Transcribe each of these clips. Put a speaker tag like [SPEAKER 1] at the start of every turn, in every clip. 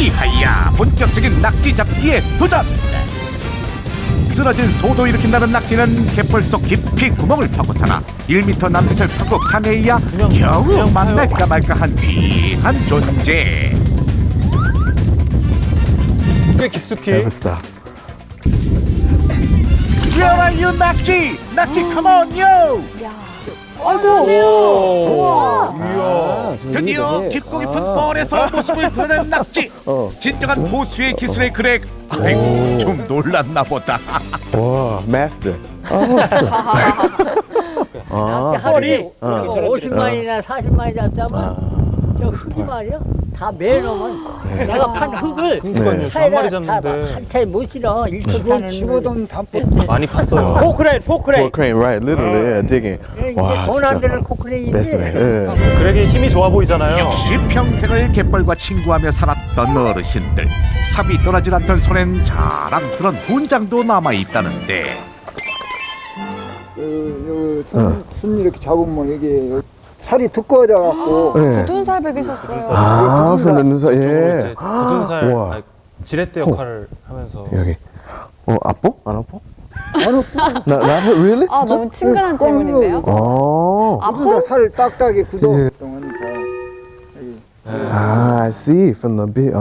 [SPEAKER 1] 이하야 본격적인 낙지 잡기에 도전. 쓰러진 소도 일으킨다는 낙지는 갯벌 속 깊이 구멍을 파고 살아 1m 남짓을 파고 파내야 겨우 만날까 말까한 귀한 존재.
[SPEAKER 2] 꽤 깊숙이.
[SPEAKER 3] Never stop.
[SPEAKER 1] Where are you, 낙지? 낙지, come on, yo! 드디어 깊고 깊은 뻘에서 모습을 드러낸 낙지. 진정한 고수의 기술에 그래. 아이고 좀 놀랐나 보다.
[SPEAKER 3] 와, master.
[SPEAKER 4] 하루에 50마리나 40마리 잡자면 저 흙이 말이야 다 매놓으면 내가 판 흙을
[SPEAKER 2] 그러니까요. 저 한 마리 잡는데
[SPEAKER 4] 한차에 못 실어 1톤 타는
[SPEAKER 5] 15돈 담보
[SPEAKER 2] 많이 팠어요.
[SPEAKER 4] 포크레인
[SPEAKER 3] Poor crane, right? Literally, yeah, digging. 와,
[SPEAKER 4] 돈 안
[SPEAKER 3] 진짜.
[SPEAKER 4] 되는 포크레인인데
[SPEAKER 3] Best네. 예.
[SPEAKER 2] 그래게 힘이 좋아 보이잖아요.
[SPEAKER 1] 역시 평생을 갯벌과 친구하며 살았던 어르신들. 삽이 떠나질 않던 손엔 자랑스런 훈장도 남아있다는데.
[SPEAKER 5] 손 이렇게 잡으면 이게 살이 두꺼워져 갖고
[SPEAKER 3] 예.
[SPEAKER 6] 굳은 살 먹이셨어요.
[SPEAKER 3] 아, 그러면서
[SPEAKER 2] 쪽으로
[SPEAKER 3] 예.
[SPEAKER 2] 이제 굳은 살,
[SPEAKER 3] 우와.
[SPEAKER 2] 아니, 지렛대 역할을 하면서.
[SPEAKER 3] 여기. 아파? 안 아파?
[SPEAKER 5] 안 아프고
[SPEAKER 3] 나 really?
[SPEAKER 6] 아, 너무 친근한 질문인데요.
[SPEAKER 3] 어.
[SPEAKER 5] 살 딱딱이 굳어
[SPEAKER 3] 예.
[SPEAKER 5] 그러니까
[SPEAKER 3] I see from the bit.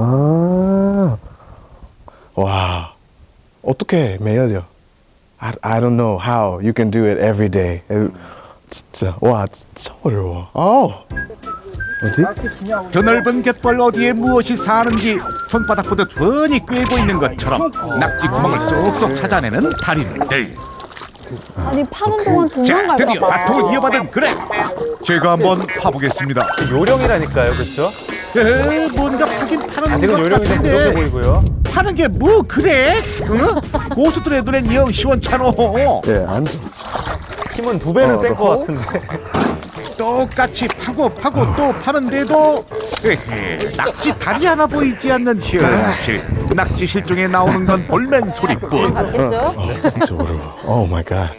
[SPEAKER 3] 와. 어떻게 매일요? I don't know how you can do it every day. 진짜 와, 진짜 어려워. 어디?
[SPEAKER 1] 드넓은 갯벌 어디에 무엇이 사는지 손바닥보다 훤히 꿰고 있는 것처럼 낙지 구멍을 쏙쏙 찾아내는 달인들.
[SPEAKER 6] 아니, 파는 동안
[SPEAKER 1] 자,
[SPEAKER 6] 도망갈까
[SPEAKER 1] 드디어
[SPEAKER 6] 봐.
[SPEAKER 1] 바통을 이어받은 그래. 제가 한번 파보겠습니다.
[SPEAKER 2] 요령이라니까요, 그렇죠?
[SPEAKER 1] 뭔가 파긴 파는
[SPEAKER 2] 아직은
[SPEAKER 1] 것
[SPEAKER 2] 요령이 좀 부족해
[SPEAKER 1] 같은데
[SPEAKER 2] 보이고요.
[SPEAKER 1] 파는 게 뭐 그래? 응? 고수들의 눈엔 영 시원찮어.
[SPEAKER 3] 예, 앉아.
[SPEAKER 2] 힘은 2배는 센 것 같은데.
[SPEAKER 1] 똑같이 파고 또 파는데도 낙지 다리 하나 보이지 않는 현실. 낙지 실종에 나오는 건 볼멘 소리뿐.
[SPEAKER 6] 맞겠죠?
[SPEAKER 3] 진짜 어려워. Oh my god.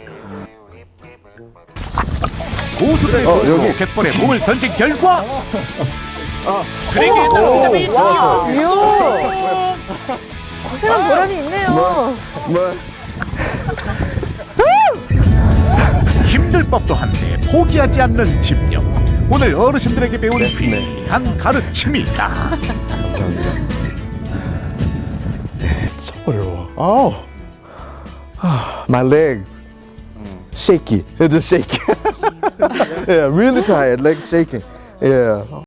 [SPEAKER 1] 고수들의
[SPEAKER 3] 여기.
[SPEAKER 1] 여기 갯벌에 몸을 던진 결과 그에게 낙지잡이
[SPEAKER 6] 와, 이야. 고생한 보람이 있네요.
[SPEAKER 3] 뭐?
[SPEAKER 1] 힘들 법도 한데 포기하지 않는 집념. 오늘 어르신들에게 배운 귀한 가르침이다.
[SPEAKER 3] 감사합니다. 진짜 어려워. My legs shaky. It's just shaky. Yeah, really tired. Legs shaking. Yeah.